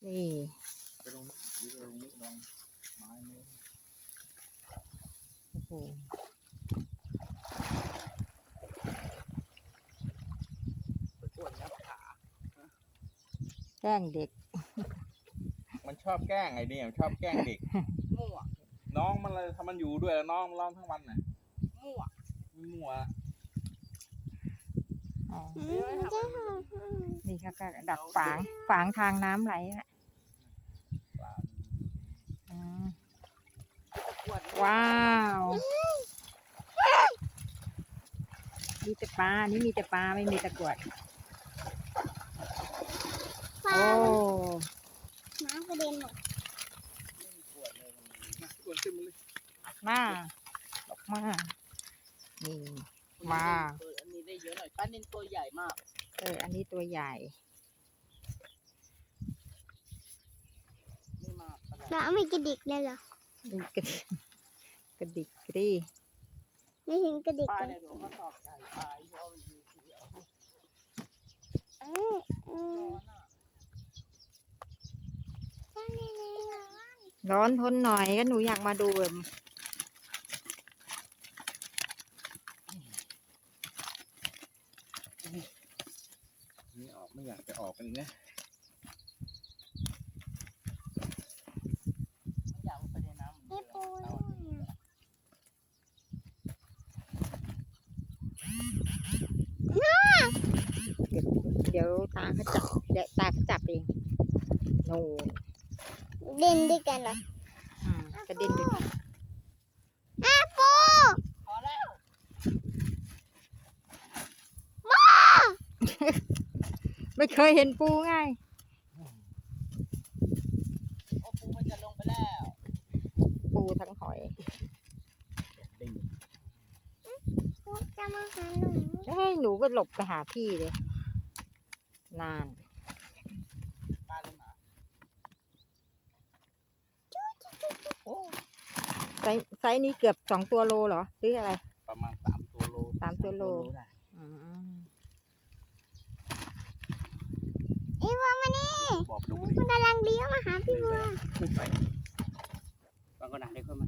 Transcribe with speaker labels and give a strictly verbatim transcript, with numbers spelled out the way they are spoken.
Speaker 1: นี่
Speaker 2: ไปลงนี่ไปลงนี่ลองไม้นี่
Speaker 1: โอ้โห
Speaker 2: ไปปวดงับขา
Speaker 1: แกล้งเด็ก
Speaker 2: มันชอบแกล้งไอ้นี่มันชอบแกล้งเด็ก
Speaker 3: มั่ว
Speaker 2: น้องมันเลยถ้ามันอยู่ด้วยแล้วน้องมันร้องทั้งวันน่ะ
Speaker 3: มั่ว
Speaker 2: มั่ว
Speaker 1: อ๋อ
Speaker 3: เดี๋ยวให้ทำมัน
Speaker 1: นี่ก็ก็ดักฝางฝางทางน้ำไหลอะ
Speaker 2: ปลา
Speaker 1: อืม
Speaker 3: ปวด
Speaker 1: ว้าว มีแต่ปลา นี่มีแต่ปลาไม่มีตะกรวด
Speaker 4: ปลา
Speaker 1: โอ้
Speaker 4: น้ำกระเด็นหมด
Speaker 2: ปวดเลยมันปวดขึ้นมาเลย
Speaker 1: มาดอกมานี่ ว้าว
Speaker 3: เอออันนี้ได้เยอะหน่อยป้านินตัวใหญ่มาก
Speaker 1: เออ อันนี้ตัวใหญ่
Speaker 3: ไม่มากขนาด
Speaker 4: แล้วไม่กระดิกเลยเหรอ
Speaker 1: ดูกระดิกกระดิกกระดิ
Speaker 4: ไม่ถึงกระดิก
Speaker 3: ปลา
Speaker 4: เล
Speaker 3: ใน
Speaker 4: ย
Speaker 3: หลวงเขาตอบใหญ่ปลาเพราะมันมีเสียว
Speaker 4: เออเออ
Speaker 3: ร้อนอ่ะ
Speaker 4: ป้านี่เลยเหรอ
Speaker 1: ร้อนทนหน่อยก็หนูอยากมาดูแบบ
Speaker 2: นี่ออกไม่อยากจะออกกันอีกนะ
Speaker 3: ไม่อยากลงไปในน้ำเหมื
Speaker 4: ไอ้
Speaker 3: อนเดิ
Speaker 4: ปู
Speaker 3: ม
Speaker 4: ด้วยอะ
Speaker 1: เดี๋ยวตาเขาจับเดี๋ยวตาเขาจับเองโน่น
Speaker 4: เด่นด้วยกันเหรอ
Speaker 1: อืมกระเด็นไป
Speaker 4: อ้าปู
Speaker 3: พอแล้ว
Speaker 1: ไม่เคยเห็นปูไง
Speaker 3: โอ้ปูมันจะลงไปแล้ว
Speaker 1: ปูทั้งหอย
Speaker 2: ดิ้ง
Speaker 4: ปูจะมาหาหนู
Speaker 1: เฮ้ยหนูก็หลบไปหาพี่เลย นาน
Speaker 3: ปลาลงมา
Speaker 1: โอ้ไซส์ไซส์นี้เกือบสองตัวโลเหรอหรืออะไร
Speaker 2: ประมาณสามตัวโล
Speaker 1: สามตัวโล
Speaker 2: ได้
Speaker 1: อืม
Speaker 4: ไอ้บัวมานี่
Speaker 2: บอกดู
Speaker 4: มันกำลังเลี้ยวมาหาพี่บัว
Speaker 2: ขึ้นไปบางก็หนักได้ขึ้นมา